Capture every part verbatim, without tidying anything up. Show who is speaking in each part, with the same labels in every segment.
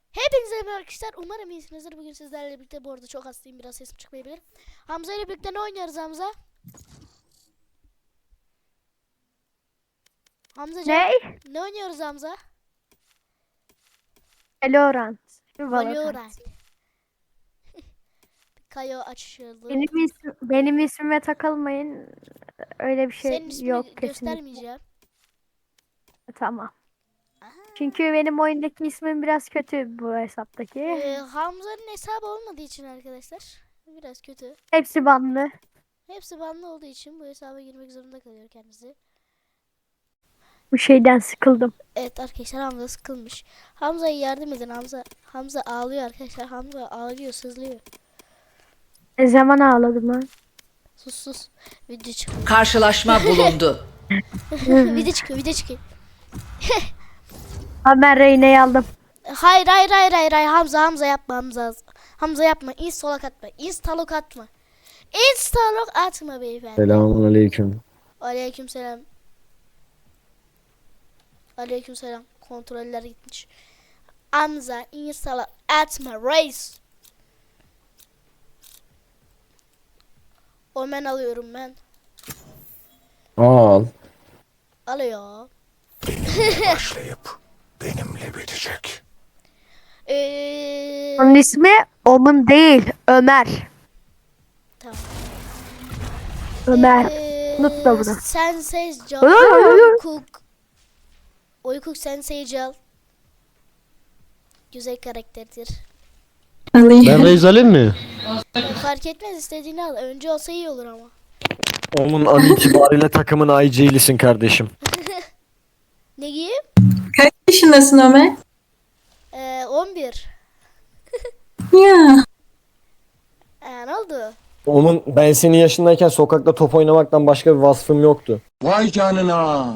Speaker 1: Hepinize merhaba arkadaşlar. Umarım iyisinizdir. Bugün sizlerle birlikte, bu arada çok hastayım, biraz sesim çıkmayabilir. Hamza ile birlikte ne oynuyoruz Hamza? Hamza
Speaker 2: Ne?
Speaker 1: ne oynuyoruz Hamza?
Speaker 2: Valorant.
Speaker 1: Valorant. Kayo açıldı.
Speaker 2: Benim, ism, benim ismime takılmayın. Öyle bir şey
Speaker 1: Senin ismini
Speaker 2: yok kesinlikle.
Speaker 1: göstermeyeceğim.
Speaker 2: Tamam.
Speaker 1: Aha.
Speaker 2: Çünkü benim oyundaki ismim biraz kötü bu hesaptaki.
Speaker 1: Ee, Hamza'nın hesabı olmadığı için arkadaşlar biraz kötü.
Speaker 2: Hepsi banlı.
Speaker 1: Hepsi banlı olduğu için bu hesaba girmek zorunda kalıyor kendisi.
Speaker 2: Bu şeyden sıkıldım.
Speaker 1: Evet arkadaşlar, Hamza sıkılmış. Hamza'ya yardım edin. Hamza Hamza ağlıyor arkadaşlar. Hamza ağlıyor, sızlıyor.
Speaker 2: Ne zaman ağladım lan?
Speaker 1: Sus sus. Video çıkıyor.
Speaker 3: Karşılaşma bulundu.
Speaker 1: video çıkıyor, video çıkıyor.
Speaker 2: Ha, ben Reyna'yı aldım.
Speaker 1: Hayır hayır hayır hayır hayır Hamza Hamza yapma Hamza. Hamza yapma. Instalok atma. Instalok atma. Instalok atma beyefendi.
Speaker 4: Selamun aleyküm.
Speaker 1: Aleykümselam. Aleykümselam. Kontroller gitmiş. Hamza instalok atma reis. Omen alıyorum ben.
Speaker 4: Al.
Speaker 1: Alıyor.
Speaker 5: Başlayıp benimle bitecek.
Speaker 1: Eee
Speaker 2: Onun ismi Omun değil. Ömer.
Speaker 1: tamam.
Speaker 2: Ömer.
Speaker 1: Eee,
Speaker 2: Unut da bunu.
Speaker 1: Sensei Cal.
Speaker 2: Ay, ay, ay.
Speaker 1: Oykuk. Oykuk Sensei Cal. Güzel karakterdir.
Speaker 4: Ben reis alayım mı?
Speaker 1: Fark etmez, istediğini al. Önce olsa iyi olur ama.
Speaker 4: Onun an itibariyle takımın I G'lisin kardeşim.
Speaker 1: Ne giyeyim?
Speaker 6: Kaç yaşındasın Ömer?
Speaker 1: Ee, on bir.
Speaker 6: Ya.
Speaker 1: Ee, ne oldu?
Speaker 4: Onun ben senin yaşındayken sokakta top oynamaktan başka bir vasfım yoktu.
Speaker 5: Vay canına.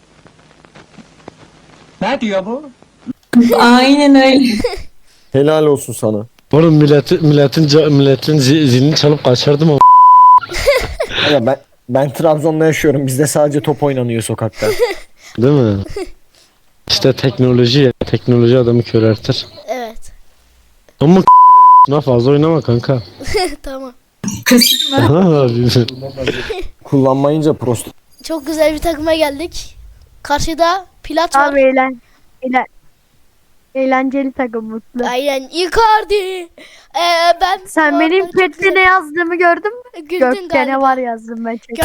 Speaker 5: Ne diyor bu?
Speaker 6: Aynen öyle.
Speaker 4: Helal olsun sana.
Speaker 7: Oğlum milletin milletin ca- milletin zi- zilini çalıp kaçırdım o.
Speaker 4: Ama ben ben Trabzon'da yaşıyorum. Bizde sadece top oynanıyor sokakta.
Speaker 7: Değil mi? İşte teknoloji ya. Teknoloji adamı köreltir.
Speaker 1: Evet.
Speaker 7: Ama buna fazla oynama kanka.
Speaker 1: Tamam.
Speaker 4: Kullanmayınca prost.
Speaker 1: Çok güzel bir takıma geldik. Karşıda Plat var.
Speaker 2: Abi eğlen, eğlen, eğlenceli takım mutlu.
Speaker 1: Aynen Icardi. Ee, ben
Speaker 2: Sen
Speaker 1: bu
Speaker 2: benim
Speaker 1: arada çok
Speaker 2: chat'te ne
Speaker 1: güzel-
Speaker 2: yazdığımı gördün mü?
Speaker 1: Güldün
Speaker 2: Gökte
Speaker 1: galiba.
Speaker 2: ne var yazdım ben chat'te.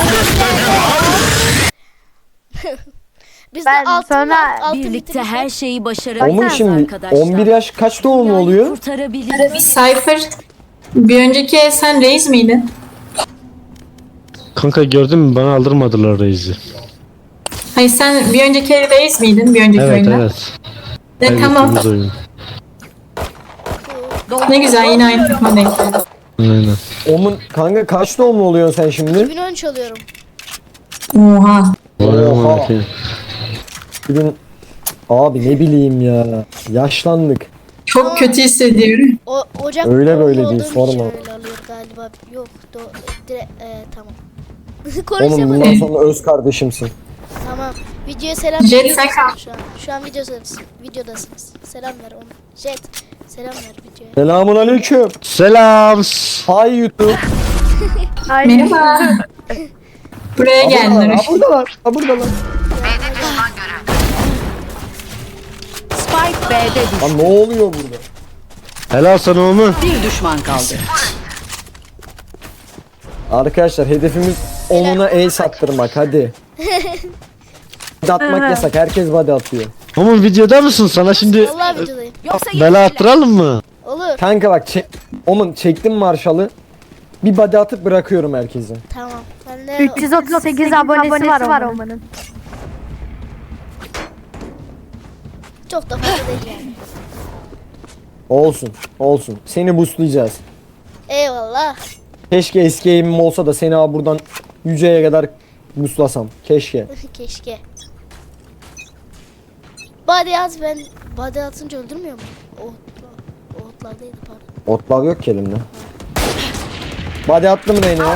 Speaker 1: Bizde
Speaker 2: Ben
Speaker 1: altın
Speaker 2: sonra
Speaker 1: var, altın
Speaker 8: Birlikte
Speaker 1: bitirmiş
Speaker 8: her
Speaker 1: var.
Speaker 8: şeyi başarabiliriz
Speaker 4: Onun şimdi
Speaker 8: arkadaşlar.
Speaker 4: on bir yaş kaç doğumlu
Speaker 8: Dünyayı
Speaker 4: oluyor?
Speaker 8: kurtarabiliriz.
Speaker 6: Cypher. Bir önceki el sen reis miydin?
Speaker 7: Kanka gördün mü, bana aldırmadılar reisi.
Speaker 6: Hayır sen bir önceki el reis miydin? Bir önceki
Speaker 7: Evet
Speaker 6: oyunda.
Speaker 7: evet.
Speaker 6: E, tamam.
Speaker 7: Kaybettiğimiz oyun.
Speaker 6: Ne güzel yine aynı takıma denk geldik.
Speaker 7: Aynen.
Speaker 4: Onun kanka kaç doğumlu oluyorsun sen şimdi?
Speaker 1: iki bin on üç alıyorum.
Speaker 6: Oha.
Speaker 7: Vay
Speaker 4: Oha.
Speaker 7: aman ki.
Speaker 4: Bugün abi ne bileyim ya. Yaşlandık.
Speaker 6: Çok kötü hissediyorum.
Speaker 1: O Ocak
Speaker 4: Öyle
Speaker 1: doğumlu
Speaker 4: böyle değil,
Speaker 1: olduğum için
Speaker 4: sorma.
Speaker 1: öyle alıyor galiba. Yok, do dire e, tamam.
Speaker 4: Onun
Speaker 1: Konuşamadım.
Speaker 4: bundan sonra öz kardeşimsin.
Speaker 1: Tamam. Videoya selam
Speaker 6: Jet,
Speaker 1: veriyorsun
Speaker 6: sen kal.
Speaker 1: şu an. Şu an videodasınız. Videodasınız. Selam ver onu. Jet. Selam ver videoya.
Speaker 4: Selamun aleyküm.
Speaker 7: Selam.
Speaker 4: Hay YouTube.
Speaker 2: Aynen.
Speaker 6: Merhaba. Buraya
Speaker 4: Ha
Speaker 6: geldiler.
Speaker 4: buradalar, ha buradalar, ha buradalar.
Speaker 8: Spike B'de düştü.
Speaker 4: Lan ne oluyor burada?
Speaker 7: Helal sana oğlum.
Speaker 3: Bir düşman kaldı.
Speaker 4: Arkadaşlar hedefimiz onuna el sattırmak hadi. Body atmak yasak, herkes body atıyor.
Speaker 7: Oğlum videoda mısın? Sana şimdi
Speaker 1: Vallahi videodayım.
Speaker 8: Yoksa
Speaker 7: bela attıralım mı?
Speaker 1: Olur.
Speaker 4: Kanka bak çek, Omun çektim marşalı. Bir body atıp bırakıyorum herkesi.
Speaker 1: Tamam. Ben de
Speaker 2: üç yüz otuz sekiz abonesi var Oman'ın.
Speaker 1: çok da fazla değil yani.
Speaker 4: Olsun, olsun. Seni boostlayacağız.
Speaker 1: Eyvallah.
Speaker 4: Keşke eski aim'im olsa da seni abi buradan yüceye kadar boostlasam. Keşke.
Speaker 1: Keşke. Body at, ben body atınca öldürmüyor mu? Otla. Otlardaydı pardon.
Speaker 4: Otlav yok ki elimde. Body attım Reyna'ya.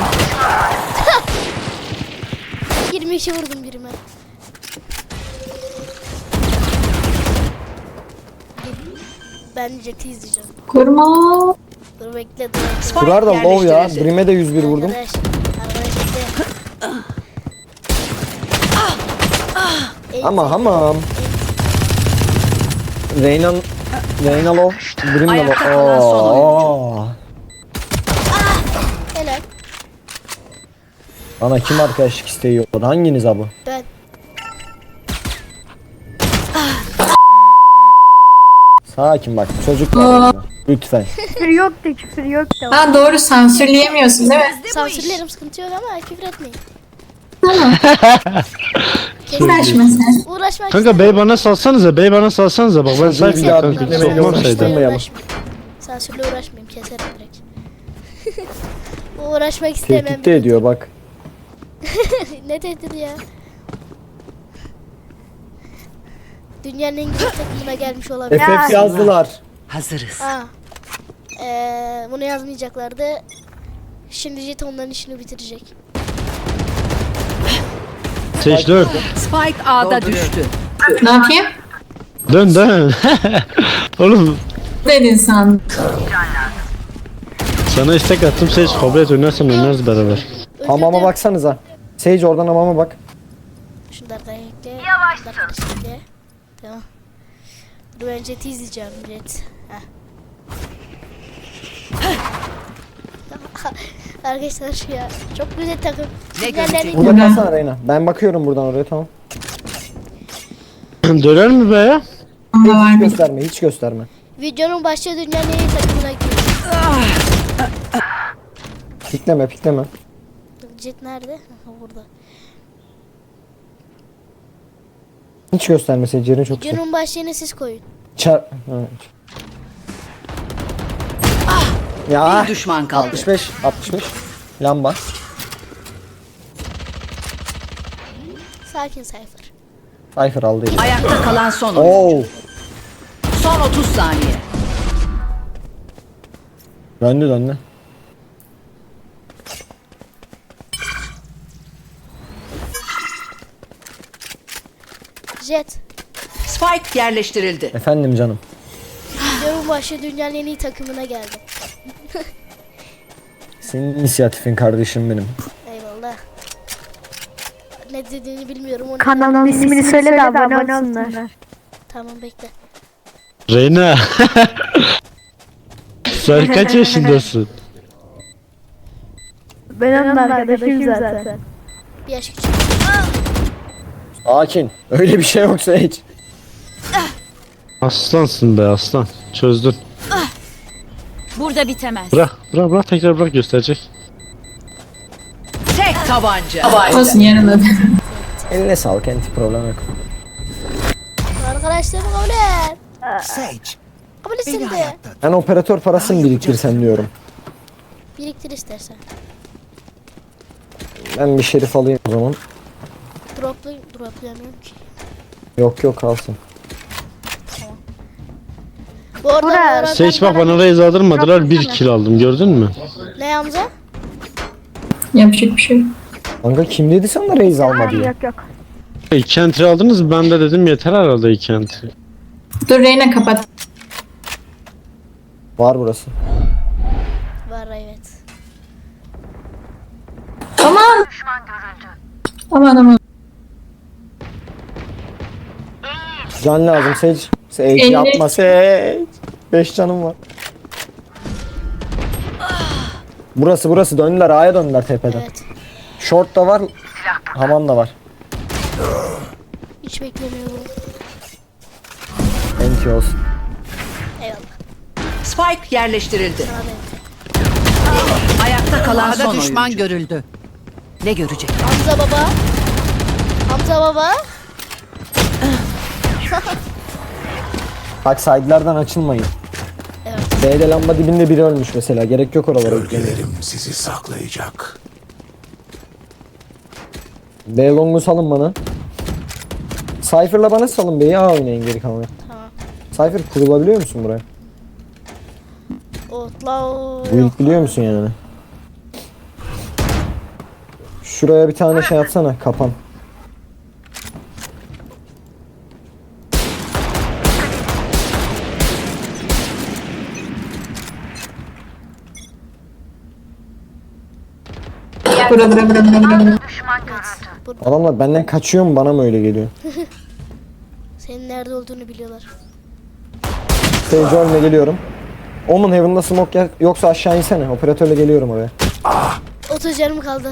Speaker 1: yirmi iki vurdum birime. Ben Jet'i izleyeceğim.
Speaker 6: Kurma.
Speaker 1: Dur bekle dur. bekle.
Speaker 4: Kurar da low ya.
Speaker 3: yerleştirildi.
Speaker 4: Brim'e de yüz bir vurdum.
Speaker 1: Arkadaş. Arkadaş bekle.
Speaker 4: Ama hamam. Reyna Reyna low. Brim de
Speaker 3: Ayakta
Speaker 4: low.
Speaker 3: kalan son
Speaker 4: Oo.
Speaker 1: Helal.
Speaker 4: Bana kim arkadaşlık isteği yolladı? Hanginiz abi?
Speaker 1: Ben.
Speaker 4: Sakin bak çocuk var orada. Lütfen.
Speaker 2: Küfür yok da küfür yok da.
Speaker 6: Ha doğru sansürleyemiyorsun değil mi?
Speaker 1: Sansürlerim sıkıntı yok ama küfür etmeyin.
Speaker 6: Uğraşma sen.
Speaker 1: Uğraşmak
Speaker 7: Kanka bey bana salsanıza, bey bana salsanıza bak ben
Speaker 4: Çocuğu
Speaker 7: sayfım
Speaker 4: bir daha
Speaker 7: kanka.
Speaker 4: dinlemeyle
Speaker 7: Sokmam saydı.
Speaker 4: uğraştırmayalım.
Speaker 1: uğraşmayayım. Sansürle uğraşmayayım keserim direkt. Uğraşmak istemem.
Speaker 4: Tehdit de ediyor bak.
Speaker 1: Ne tehdit ya? Dünyanın en güzel takımına gelmiş olabilir.
Speaker 4: F F yazdılar.
Speaker 3: Hazırız.
Speaker 1: Aa. Ee, bunu yazmayacaklardı. Şimdi Jet onların işini bitirecek.
Speaker 7: Seç dön.
Speaker 3: Spike A'da düştü.
Speaker 6: Ne yapayım?
Speaker 7: Dön dön. Oğlum
Speaker 6: Dedin sen.
Speaker 7: sana istek attım Seç kabul et oynarsan oynarız beraber.
Speaker 4: Hamama baksanıza. Sage oradan hamama bak.
Speaker 1: Şunlardan ekle. Yavaş ekle. Tamam. Dur ben Jet'i izleyeceğim Jet. Heh. Arkadaşlar şu ya. Çok güzel takım.
Speaker 3: Ne
Speaker 1: Dünyanın en iyi-
Speaker 4: Burada kalsana Reyna. Ben bakıyorum buradan oraya tamam.
Speaker 7: Döner mi be ya?
Speaker 6: Onda var
Speaker 4: Hiç
Speaker 6: bir.
Speaker 4: gösterme hiç gösterme.
Speaker 1: Videonun başlığı dünyanın en iyi takımına giriyor.
Speaker 4: Pikleme pikleme.
Speaker 1: Jet nerede? Ha, burada.
Speaker 4: Hiç gösterme Sage yerin çok güzel.
Speaker 1: Videonun başlığını siz koyun.
Speaker 4: Çar... Evet. Ya
Speaker 3: Bir düşman kaldı.
Speaker 4: altmış beş altmış beş. Lamba.
Speaker 1: Sakin Cypher.
Speaker 4: Cypher aldı. eli.
Speaker 3: Ayakta kalan son oyuncu.
Speaker 4: Oo.
Speaker 3: Son otuz saniye.
Speaker 4: Döndü döndü.
Speaker 1: Jet.
Speaker 3: Spike yerleştirildi.
Speaker 4: Efendim canım.
Speaker 1: Videonun başlığı dünyanın en iyi takımına geldi.
Speaker 4: Senin inisiyatifin kardeşim benim.
Speaker 1: Eyvallah. Ne dediğini bilmiyorum. Onu
Speaker 2: Kanalın ismini söyle de abone olsunlar.
Speaker 1: Tamam bekle.
Speaker 7: Reyna. Sen kaç yaşındasın?
Speaker 2: Ben onun arkadaşıyım zaten.
Speaker 1: Bir yaş küçük.
Speaker 4: Sakin. Öyle bir şey yok Sage.
Speaker 7: Aslansın be aslan. Çözdün.
Speaker 8: Burada bitemez.
Speaker 7: Bırak, bırak, bırak tekrar bırak gösterecek.
Speaker 3: Tek tabanca.
Speaker 6: Olsun yarın da.
Speaker 4: Eline sağlık enti problem yok.
Speaker 1: Arkadaşlarım kabul et.
Speaker 5: Sage,
Speaker 1: Kabul etsin de.
Speaker 4: Ben operatör parasını biriktirsen diyorum.
Speaker 1: Biriktir istersen.
Speaker 4: Ben bir şerif alayım o zaman.
Speaker 1: Droplu, droplayamıyorum ki.
Speaker 4: Yok yok kalsın.
Speaker 1: Bu arada
Speaker 2: Burak.
Speaker 1: bu arada
Speaker 7: Seç bak bana raise aldırmadılar bir kill aldım gördün mü?
Speaker 1: Ne Hamza?
Speaker 6: Yapacak bir şey yok.
Speaker 4: Kanka kim dedi sana raise alma diye.
Speaker 2: Yok yok.
Speaker 7: İki entry aldınız ben de dedim yeter herhalde iki entry.
Speaker 6: Dur Reyna kapat.
Speaker 4: Var burası.
Speaker 1: Var evet.
Speaker 6: Aman. Aman aman.
Speaker 4: Can lazım Sage. Sage
Speaker 6: elli.
Speaker 4: yapma Sage. beş canım var. Burası burası döndüler A'ya döndüler tepeden.
Speaker 1: Evet.
Speaker 4: Short da var. Hamam da var.
Speaker 1: Hiç beklemiyorum.
Speaker 4: Enti olsun.
Speaker 1: Eyvallah.
Speaker 3: Spike yerleştirildi.
Speaker 1: Sana da.
Speaker 3: Ayakta kalan
Speaker 5: A'da
Speaker 3: son
Speaker 5: düşman
Speaker 3: oyuncu. görüldü. Ne görecek?
Speaker 1: Hamza baba. Hamza baba.
Speaker 4: Bak side'lerden açılmayın.
Speaker 1: Evet.
Speaker 4: B'de lamba dibinde biri ölmüş mesela. Gerek yok oralara yüklemeye.
Speaker 5: Gölgelerim sizi saklayacak.
Speaker 4: B long'u salın bana. Cypher'la bana salın B'yi A oynayın geri kalanı.
Speaker 1: Tamam.
Speaker 4: Cypher kurulabiliyor musun buraya?
Speaker 1: Outlaw.
Speaker 4: Bu ilk biliyor musun yani? Şuraya bir tane şey atsana kapan.
Speaker 6: Bak bura bura bura bura bura. bura.
Speaker 4: Adamlar benden kaçıyor mu, bana mı öyle geliyor?
Speaker 1: Senin nerede olduğunu biliyorlar.
Speaker 4: Sage ölme, geliyorum. Omun Heaven'da smoke ya- yoksa aşağı insene. Operatörle geliyorum oraya.
Speaker 1: otuz canım kaldı.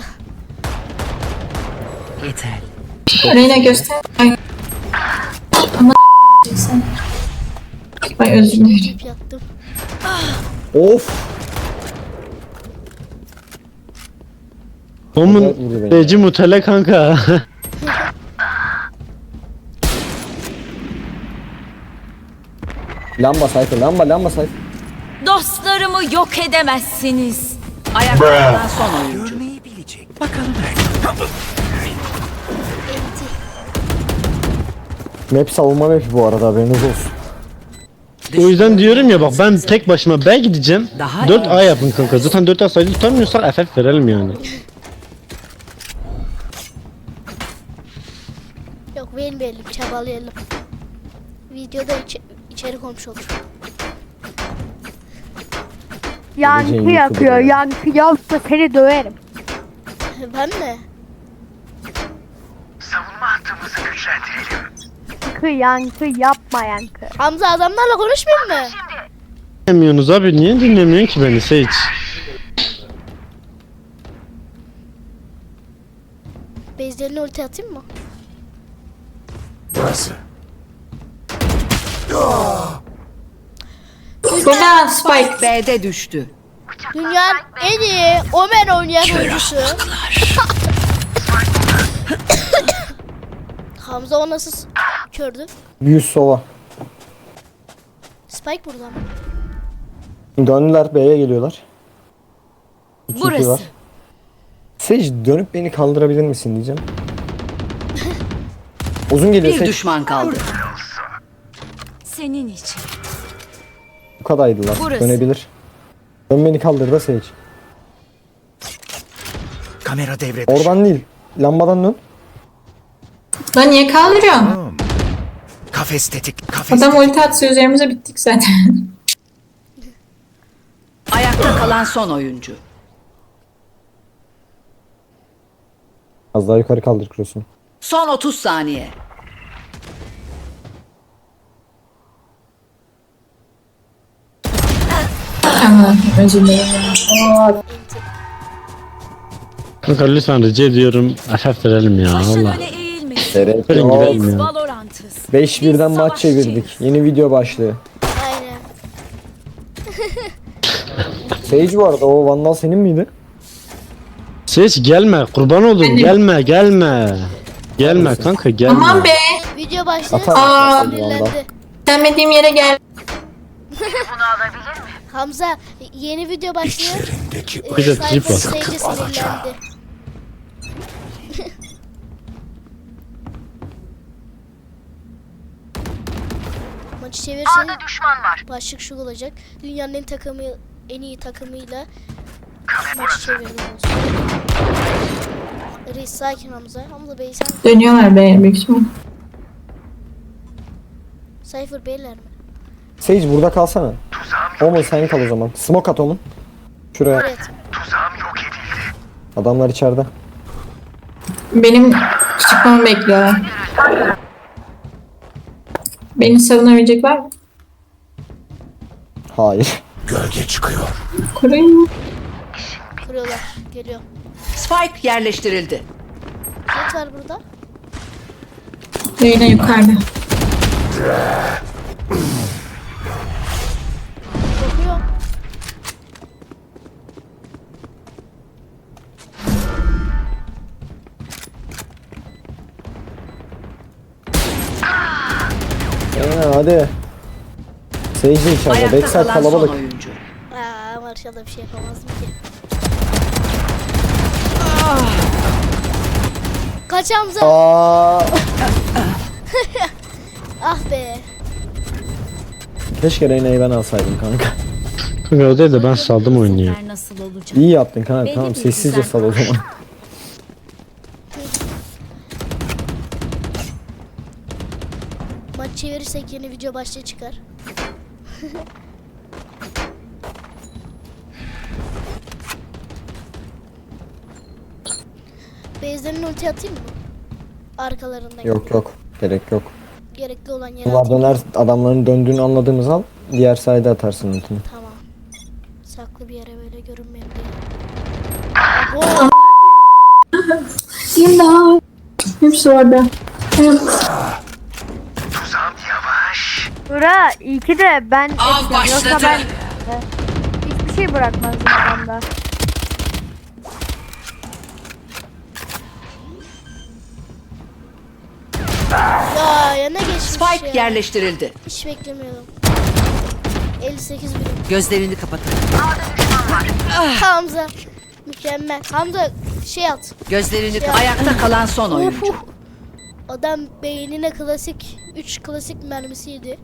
Speaker 3: Yeter.
Speaker 6: Reyna göster. Ay. Ama sen. Ay özür dilerim.
Speaker 1: Hep yattım.
Speaker 4: Of.
Speaker 7: Omun
Speaker 4: vurdu beni.
Speaker 7: Seyirci mutele kanka.
Speaker 4: Lamba sayfa, lamba lamba sayfa.
Speaker 8: Dostlarımı yok edemezsiniz.
Speaker 3: Ayakta kalan son oyuncu.
Speaker 5: Görmeyi bilecek. Bakalım.
Speaker 4: Map savunma mapi bu arada, haberiniz olsun.
Speaker 7: O yüzden diyorum ya, bak ben tek başıma B gideceğim.
Speaker 3: Daha
Speaker 7: dört
Speaker 3: iyi.
Speaker 7: A yapın kanka. Zaten dört A sayıda tutamıyorsak F F verelim yani.
Speaker 1: Yok vermeyelim, çabalayalım. Videoda içe içerik olmuş olur.
Speaker 2: Yankı
Speaker 4: Geleceğin
Speaker 2: yapıyor.
Speaker 4: YouTube'u ya.
Speaker 2: Yankı yapsa seni döverim.
Speaker 1: Ben mi?
Speaker 2: Yankı yankı yapma yankı.
Speaker 1: Hamza adamlarla konuşmayayım mı?
Speaker 7: Dinlemiyorsunuz abi, niye dinlemiyorsun ki beni Sage?
Speaker 1: Bezlerine ulti atayım mı?
Speaker 5: Burası.
Speaker 6: Burada Spike.
Speaker 3: B'de düştü.
Speaker 1: Dünyanın en iyi Omen oynayan oyuncusu. Hamza o nasıl s- kördü?
Speaker 4: yüz sova.
Speaker 1: Spike burada mı?
Speaker 4: Döndüler, B'ye geliyorlar. İki iki
Speaker 8: Burası.
Speaker 4: var. Sage dönüp beni kaldırabilir misin diyeceğim. Uzun geliyor
Speaker 3: Bir
Speaker 4: Sage.
Speaker 3: düşman kaldı.
Speaker 8: Senin için.
Speaker 4: Bu kadarıydılar.
Speaker 8: Burası.
Speaker 4: Dönebilir. Dön beni kaldır da Sage.
Speaker 5: Kamera devre dışı.
Speaker 4: Oradan değil. Lambadan dön.
Speaker 6: Lan niye kaldırıyorsun?
Speaker 5: Kafes tetik. Kafes
Speaker 6: Adam
Speaker 5: tetik.
Speaker 6: ulti atsa üzerimize bittik zaten.
Speaker 3: Ayakta kalan son oyuncu.
Speaker 4: Az daha yukarı kaldır cross'unu.
Speaker 3: Son otuz saniye.
Speaker 6: Aman özür dilerim. Oo,
Speaker 7: Kanka lütfen rica ediyorum F F verelim ya
Speaker 8: Başın
Speaker 7: valla.
Speaker 8: öne eğilmesin.
Speaker 4: Gerek
Speaker 7: Verin
Speaker 4: yok.
Speaker 7: gidelim
Speaker 8: Biz
Speaker 7: ya.
Speaker 8: Valorant'ız.
Speaker 4: beş
Speaker 8: Biz
Speaker 4: birden maç
Speaker 8: savaşçıyız.
Speaker 4: çevirdik. Yeni video başlığı.
Speaker 1: Aynen.
Speaker 4: Sage bu arada, o Vandal senin miydi?
Speaker 7: Sage gelme, kurban olurum, gelme gelme. Gelme kanka, gelme.
Speaker 6: Aman be.
Speaker 1: Video başladı.
Speaker 4: Atar
Speaker 6: Aa.
Speaker 4: mısın Vandal?
Speaker 1: Sinirlendi.
Speaker 6: Sevmediğim yere gel.
Speaker 1: Hamza yeni video başlıyor.
Speaker 5: İçlerindeki
Speaker 1: Ee,
Speaker 7: Bir de
Speaker 1: Cypher
Speaker 7: trip var.
Speaker 1: Sage'e
Speaker 5: Sıkıp alacağım.
Speaker 1: sinirlendi. Maçı çevirsen başlık şu olacak. Dünyanın en takımı en iyi takımıyla maçı çevirdim olsun. Reis sakin Hamza. Hamza Bey sen
Speaker 6: Dönüyorlar be büyük ihtimal.
Speaker 1: Cypher Beyler mi?
Speaker 4: Sage burada kalsana. Omun sen kal o zaman. Smoke at Omun. Şuraya.
Speaker 1: Evet.
Speaker 4: Adamlar içeride.
Speaker 6: Benim çıkmamı bekliyorlar. Beni savunabilecek var mı?
Speaker 4: Hayır.
Speaker 5: gölge çıkıyor.
Speaker 6: Koruyun.
Speaker 1: Kırıyorlar. Geliyor.
Speaker 3: Spike yerleştirildi.
Speaker 1: Jet var burada.
Speaker 6: Reyna yukarıda.
Speaker 1: Bakıyor.
Speaker 4: Aynen hadi. Sage de içeride.
Speaker 3: Ayakta
Speaker 4: Backside
Speaker 3: kalan son
Speaker 4: kalabalık.
Speaker 3: oyuncu.
Speaker 1: Aa, Marshall'da bir şey yapamazdım ki. Kaç Hamza?
Speaker 4: Aa,
Speaker 1: Ah be.
Speaker 4: keşke Reyna'yı ben alsaydım kanka.
Speaker 7: Kanka o değil de ben saldım oyunu ya.
Speaker 8: Sefer nasıl olacak?
Speaker 4: İyi yaptın kanka.
Speaker 8: Belli
Speaker 4: Tamam
Speaker 8: bir
Speaker 4: sessizce
Speaker 8: düzen
Speaker 4: sal o zaman.
Speaker 1: Maç çevirirsek yeni video başlığı çıkar. Base'lerin ulti atayım mı? Arkalarından.
Speaker 4: Yok yok. Gerek yok.
Speaker 1: Gerekli olan yere
Speaker 4: Bunlar
Speaker 1: atayım.
Speaker 4: döner adamların döndüğünü anladığımız an diğer sayede atarsın ultini.
Speaker 1: Tamam. Saklı bir yere böyle görünmeyin diye. Abo!
Speaker 6: İmdat. Hepsi orada. Evet.
Speaker 5: Tuzağım yavaş.
Speaker 2: Bura iyi ki de ben ettim. Yoksa ben e, hiçbir şey bırakmazdım adamda.
Speaker 1: Ya yana geçmiş
Speaker 3: Spike
Speaker 1: ya.
Speaker 3: yerleştirildi.
Speaker 1: Hiç beklemiyordum. elli sekiz birim.
Speaker 3: Gözlerini kapatın.
Speaker 1: Hamza. Mükemmel. Hamza şey at.
Speaker 3: Gözlerini kapatın. Ayakta kalan son oyuncu.
Speaker 1: Uf. Adam beynine klasik üç klasik mermisi yedi.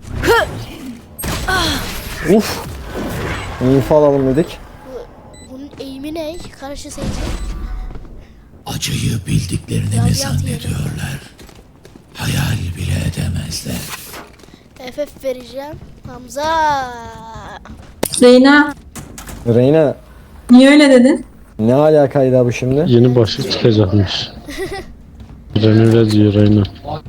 Speaker 4: Uf. İnfo alalım dedik.
Speaker 1: Bu, bunun eğimi ne? Karşı seyirci.
Speaker 5: Acıyı bildiklerini mi
Speaker 1: Radyant
Speaker 5: zannediyorlar? Hayal bile edemezler.
Speaker 1: F F vereceğim. Hamza.
Speaker 6: Reyna.
Speaker 4: Reyna
Speaker 6: Niye öyle dedin?
Speaker 4: ne alakaydı bu şimdi?
Speaker 7: Yeni başlık çıkacakmış. Ben öyle diyor Reyna.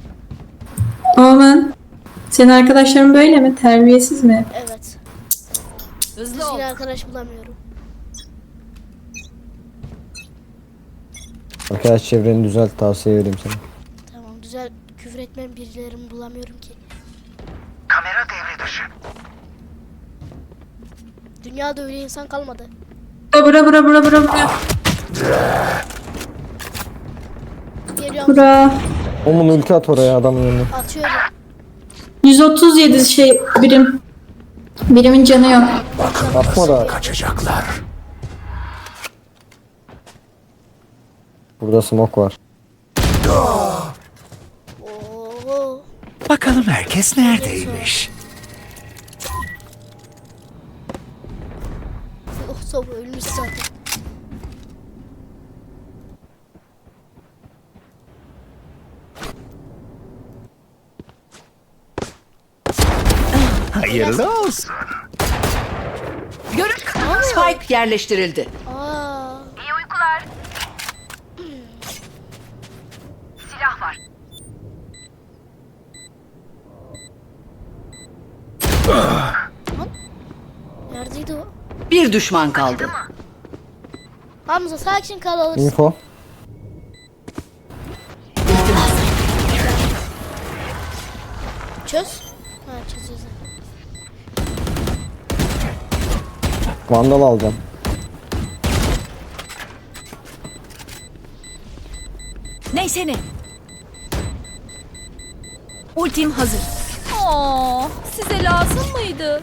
Speaker 6: Aman. Senin arkadaşların böyle mi? Terbiyesiz mi?
Speaker 1: Evet.
Speaker 8: Hızlı
Speaker 1: Düzgün
Speaker 8: ol.
Speaker 1: arkadaş bulamıyorum.
Speaker 4: Arkadaş çevreni düzelt, tavsiye vereyim sana.
Speaker 1: Tamam güzel küfür etmem birilerimi bulamıyorum ki.
Speaker 5: Kamera devre dışı.
Speaker 1: Dünyada öyle insan kalmadı.
Speaker 6: Bura bura bura bura bura.
Speaker 1: Geliyorum.
Speaker 6: Bura.
Speaker 4: Omun ulti at oraya adamın yanına.
Speaker 1: Atıyorum.
Speaker 6: yüz otuz yedi şey birim. Birimin canı yok.
Speaker 4: Atma da
Speaker 5: Kaçacaklar.
Speaker 4: burada smoke var.
Speaker 1: Oo.
Speaker 5: Bakalım herkes neredeymiş?
Speaker 1: Oh soğuk ölmüş zaten.
Speaker 5: Hayırlı olsun.
Speaker 3: Spike yerleştirildi.
Speaker 1: Aa. Neredeydi o?
Speaker 3: Bir düşman kaldı.
Speaker 1: Hamza sakin kal alırsın.
Speaker 4: Info.
Speaker 1: Çöz. Ha çözüyoruz.
Speaker 4: Vandal alacağım.
Speaker 8: Neyse ne. Ultim hazır. Oo, size lazım mıydı?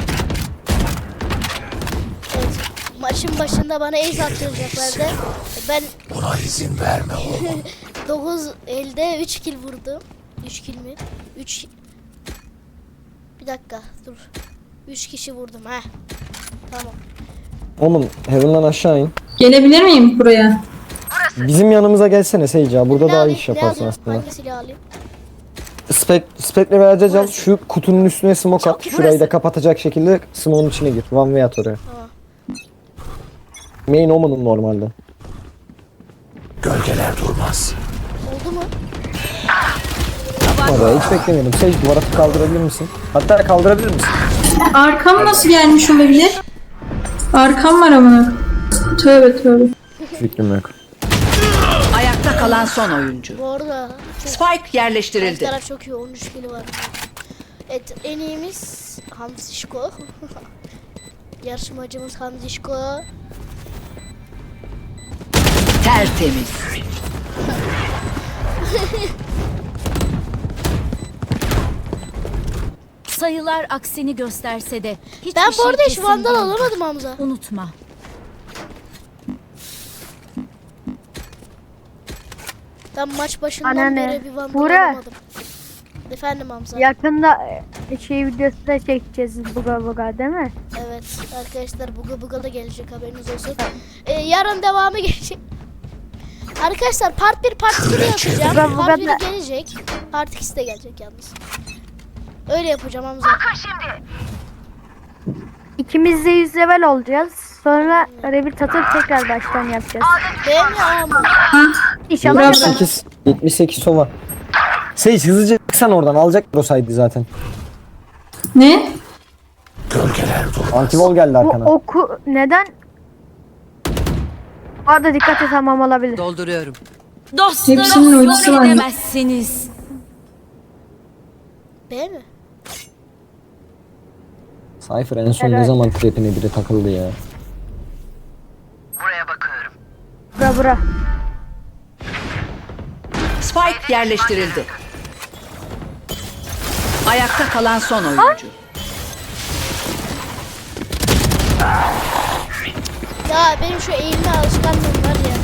Speaker 1: Evet. Maçın başında bana ace attıracaklardı. Ben
Speaker 5: Buna izin verme oğlum.
Speaker 1: dokuz elde üç kill vurdum. üç kill mi? üç Bir dakika dur. üç kişi vurdum ha. Tamam.
Speaker 4: Omun Heaven'dan aşağı in.
Speaker 6: Gelebilir miyim buraya?
Speaker 4: Bizim yanımıza gelsene Seyci abi. Burada
Speaker 1: Ne
Speaker 4: daha iyi
Speaker 1: alayım?
Speaker 4: iş
Speaker 1: Ne
Speaker 4: yaparsın
Speaker 1: alayım?
Speaker 4: aslında.
Speaker 1: Hangi silahı alayım?
Speaker 4: Spek, spekle vereceğiz al. Şu kutunun üstüne smoke at. Şurayı da kapatacak şekilde smoke'un içine gir. One way at oraya.
Speaker 1: Tamam.
Speaker 4: Main Omen'ın normalde.
Speaker 5: Gölgeler durmaz.
Speaker 1: Oldu mu?
Speaker 4: Orada hiç beklemiyordum. Seyci duvara kaldırabilir misin? Hatta kaldırabilir misin?
Speaker 6: Arkam nasıl gelmiş olabilir? Arkam var ama. Tövbe tövbe.
Speaker 4: Fikrim yok.
Speaker 3: Ayakta kalan son oyuncu.
Speaker 1: Bu arada çok
Speaker 3: Spike
Speaker 1: karşı
Speaker 3: yerleştirildi.
Speaker 1: taraf çok iyi. on üç kill var. Evet en iyimiz Hamzişko. Yarışmacımız Hamzişko.
Speaker 3: Tertemiz.
Speaker 8: Sayılar aksini gösterse de hiçbir
Speaker 1: Ben bu
Speaker 8: şey
Speaker 1: arada hiç
Speaker 8: kesin
Speaker 1: vandal
Speaker 8: değil.
Speaker 1: alamadım Hamza.
Speaker 8: Unutma.
Speaker 1: Ben maç başından
Speaker 2: Anneanne,
Speaker 1: beri bir vandal
Speaker 2: Buğra.
Speaker 1: alamadım. Efendim Hamza.
Speaker 2: Yakında e, şey videosu da çekeceğiz buga buga değil mi?
Speaker 1: Evet arkadaşlar buga buga da gelecek haberiniz olsun. Ee, yarın devamı gelecek. Arkadaşlar part bir part iki de yapacağım.
Speaker 2: Buga buga
Speaker 1: Part bir
Speaker 2: da-
Speaker 1: gelecek. Part ikisi de gelecek yalnız. Öyle yapacağım Hamza.
Speaker 2: İkimiz de yüz level olacağız. Sonra rebir atıp tekrar baştan yapacağız.
Speaker 1: Benim ya ama.
Speaker 6: Ha?
Speaker 2: İnşallah
Speaker 6: Bravo.
Speaker 2: yaparız.
Speaker 4: yetmiş sekiz, yetmiş sekiz sova. Sage hızlıca çıksan oradan alacaklar o saydı zaten.
Speaker 6: Ne?
Speaker 5: Gölgeler durmaz.
Speaker 4: Antivol geldi
Speaker 2: Bu
Speaker 4: arkana.
Speaker 2: oku neden? Bu arada dikkat et, tamam olabilir.
Speaker 3: Dolduruyorum.
Speaker 8: Dostları
Speaker 6: Hepsinin
Speaker 8: yok
Speaker 6: ultisi var.
Speaker 8: edemezsiniz.
Speaker 1: B mi?
Speaker 4: Cypher en son ne
Speaker 2: Helal.
Speaker 4: zaman trapine biri takıldı ya.
Speaker 2: Bura bura.
Speaker 3: Spike yerleştirildi. Ayakta kalan son oyuncu.
Speaker 1: Ya benim şu eğilme alışkanlığım var ya.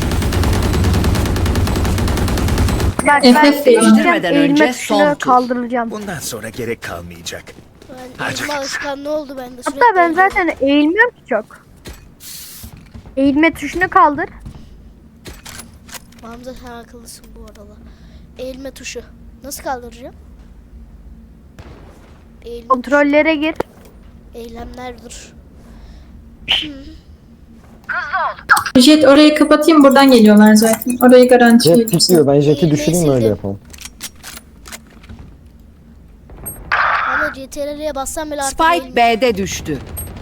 Speaker 2: Bak
Speaker 6: F
Speaker 2: ben
Speaker 6: F değil.
Speaker 3: Değiştirmeden
Speaker 2: eğilme
Speaker 3: önce
Speaker 2: tuşuna
Speaker 3: son tur.
Speaker 2: kaldıracağım.
Speaker 5: Bundan sonra gerek kalmayacak.
Speaker 1: Ben eğilme alışkanlığı oldu bende.
Speaker 2: Hatta
Speaker 1: Sürekli
Speaker 2: ben
Speaker 1: eğiliyorum.
Speaker 2: zaten eğilmiyorum ki çok. Eğilme tuşunu kaldır.
Speaker 1: Hamza sen akıllısın bu arada. Eğilme tuşu. Nasıl kaldıracağım? Eğilme
Speaker 2: Kontrollere gir.
Speaker 1: Eylemler dur.
Speaker 6: Jet orayı kapatayım, buradan geliyorlar zaten. Orayı garanti
Speaker 4: Jet pikliyor. Ben Jet'i düşüreyim öyle yapalım.
Speaker 1: Ama C T R L'ye bassam bile artık
Speaker 3: Spike
Speaker 1: eğilme-
Speaker 3: B'de düştü.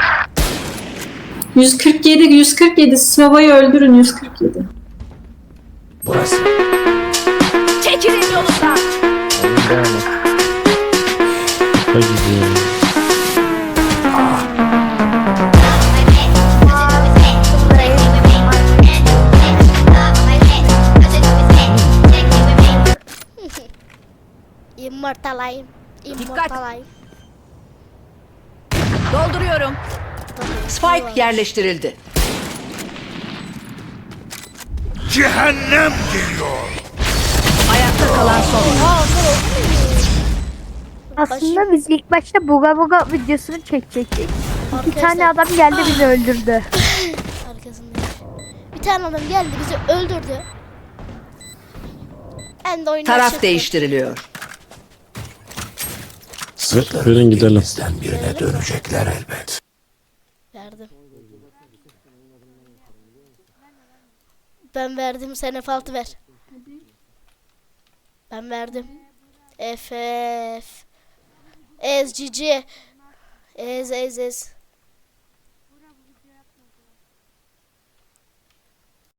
Speaker 6: yüz kırk yedi yüz kırk yedi Sava'yı öldürün yüz kırk yedi.
Speaker 5: Burası.
Speaker 8: Çekilin yolundan.
Speaker 7: Hadi gidelim.
Speaker 1: Immortalayım. Immortalayım.
Speaker 3: Dolduruyorum. Spike yerleştirildi.
Speaker 5: Cehennem geliyor.
Speaker 3: Ayakta kalan son oyuncu.
Speaker 1: Aa onlar oldu mu?
Speaker 2: Aslında biz ilk başta buga buga videosunu çekecektik. Bir
Speaker 1: Arkadaşlar,
Speaker 2: tane adam geldi bizi öldürdü.
Speaker 1: arkasındayım. Bir tane adam geldi bizi öldürdü. Ben de oyundan
Speaker 3: Taraf
Speaker 1: çıktım.
Speaker 3: değiştiriliyor.
Speaker 7: Verin gidelim.
Speaker 5: Bizden birine dönecekler elbet.
Speaker 1: Verdim. Ben verdim, sen F altı ver. Ben verdim. F F Ez cici. Ez ez ez.